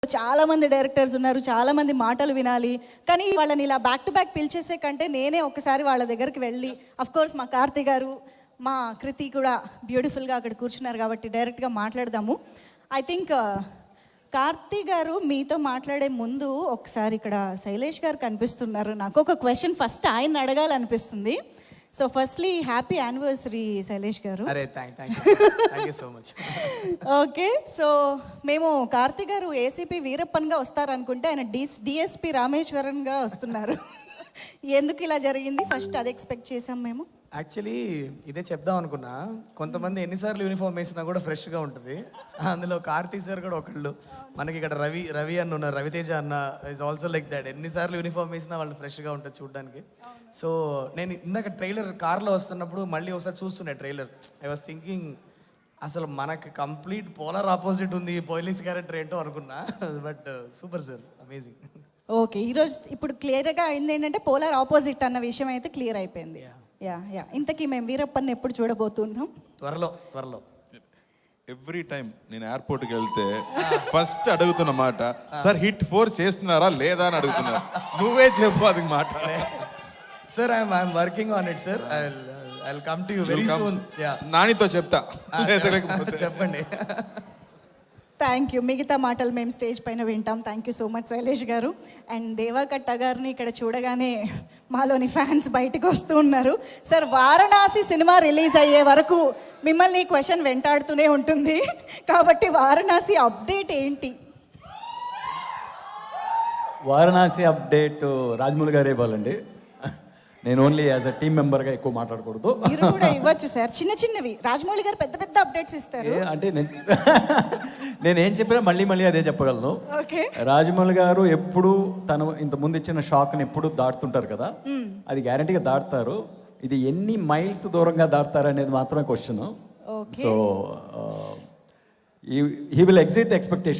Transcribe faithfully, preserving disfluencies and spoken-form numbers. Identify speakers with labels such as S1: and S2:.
S1: చాలా మంది డైరెక్టర్స్ ఉన్నారు, చాలా మంది మాటలు వినాలి. కానీ వాళ్ళని ఇలా బ్యాక్ టు బ్యాక్ పిలిచేసే కంటే నేనే ఒకసారి వాళ్ళ దగ్గరికి వెళ్ళి, అఫ్ కోర్స్ మా కార్తీ గారు, మా కృతి కూడా బ్యూటిఫుల్గా అక్కడ కూర్చున్నారు కాబట్టి డైరెక్ట్గా మాట్లాడదాము. ఐ థింక్ కార్తీ గారు మీతో మాట్లాడే ముందు ఒకసారి ఇక్కడ శైలేష్ గారు కనిపిస్తున్నారు. నాకు ఒక క్వశ్చన్ ఫస్ట్ ఆయన అడగాలనిపిస్తుంది. So firstly happy anniversary Shailesh garu.
S2: అరే thank thank you so much.
S1: Okay, so మేము కార్తీ గారు ఏసీపీ వీరప్పన్గా వస్తారనుకుంటే ఆయన డి డిఎస్పి రామేశ్వరన్గా వస్తున్నారు. ఎందుకు ఇలా జరిగింది? ఫస్ట్ అది ఎక్స్పెక్ట్ చేసాం మేము.
S2: యాక్చువల్లీ ఇదే చెప్దాం అనుకున్నా. కొంతమంది ఎన్నిసార్లు యూనిఫామ్ వేసినా కూడా ఫ్రెష్గా ఉంటుంది. అందులో కార్తీక్ సార్ కూడా ఒకళ్ళు. మనకి ఇక్కడ రవి రవి అన్న ఉన్నారు, రవితేజ అన్న ఇస్ ఆల్సో లైక్ దాట్. ఎన్నిసార్లు యూనిఫామ్ వేసినా వాళ్ళు ఫ్రెష్గా ఉంటుంది చూడడానికి. సో నేను ఇందాక ట్రైలర్ కార్లో వస్తున్నప్పుడు మళ్ళీ ఒకసారి చూస్తుండే ట్రైలర్. ఐ వాస్ థింకింగ్ అసలు మనకి కంప్లీట్ పోలార్ ఆపోజిట్ ఉంది పోలీస్ క్యారెక్టర్ ఏంటో అనుకున్నా. But super sir, amazing.
S1: Okay, ఈరోజు ఇప్పుడు క్లియర్గా అయింది ఏంటంటే పోలార్ ఆపోజిట్ అన్న విషయం అయితే క్లియర్ అయిపోయింది. యా యా ఇంతకీ మేము వీరప్పని ఎప్పుడు చూడబోతున్నాం?
S2: త్వరలో త్వరలో.
S3: ఎవ్రీ టైం నేను ఎయిర్పోర్ట్కి వెళ్తే ఫస్ట్ అడుగుతున్న మాట, సార్ హిట్ ఫోర్ చేస్తున్నారా లేదా అని అడుగుతున్నారు. నువ్వే చెప్పు అది మాట.
S2: Sir I'm I'm working on it sir. I I will come to you very soon. Yeah,
S3: నానితో చెప్తా.
S2: చెప్పండి.
S1: Thank you. మిగతా మాటలు మేము స్టేజ్ పైన వింటాం. Thank you so much Shailesh garu. And దేవాకట్ట గారిని ఇక్కడ చూడగానే మాలోని ఫ్యాన్స్ బయటకు వస్తూ ఉన్నారు. సార్, వారణాసి సినిమా రిలీజ్ అయ్యే వరకు మిమ్మల్ని క్వశ్చన్ వెంటాడుతూనే ఉంటుంది కాబట్టి వారణాసి అప్డేట్ ఏంటి?
S4: వారణాసి అప్డేట్ రాజమౌళి గారు ఇవ్వాలండి. నేను ఓన్లీ యాజ్ అ టీమ్ మెంబర్గా ఎక్కువ మాట్లాడకూడదు.
S1: మీరు కూడా ఇవ్వచ్చు సార్, చిన్న చిన్నవి. రాజమౌళి గారు పెద్ద పెద్ద అప్డేట్స్ ఇస్తారు.
S4: అంటే నేను ఏం చెప్పినా మళ్ళీ మళ్ళీ అదే చెప్పగలను.
S1: ఓకే,
S4: రాజమౌళి గారు ఎప్పుడు తను ఇంత ముందు ఇచ్చిన షాక్ని ఎప్పుడు దాటుతుంటారు కదా, అది గ్యారంటీగా దాటుతారు. ఇది ఎన్ని మైల్స్ దూరంగా దాటుతారు అనేది మాత్రమే question. So he will exit the expectation.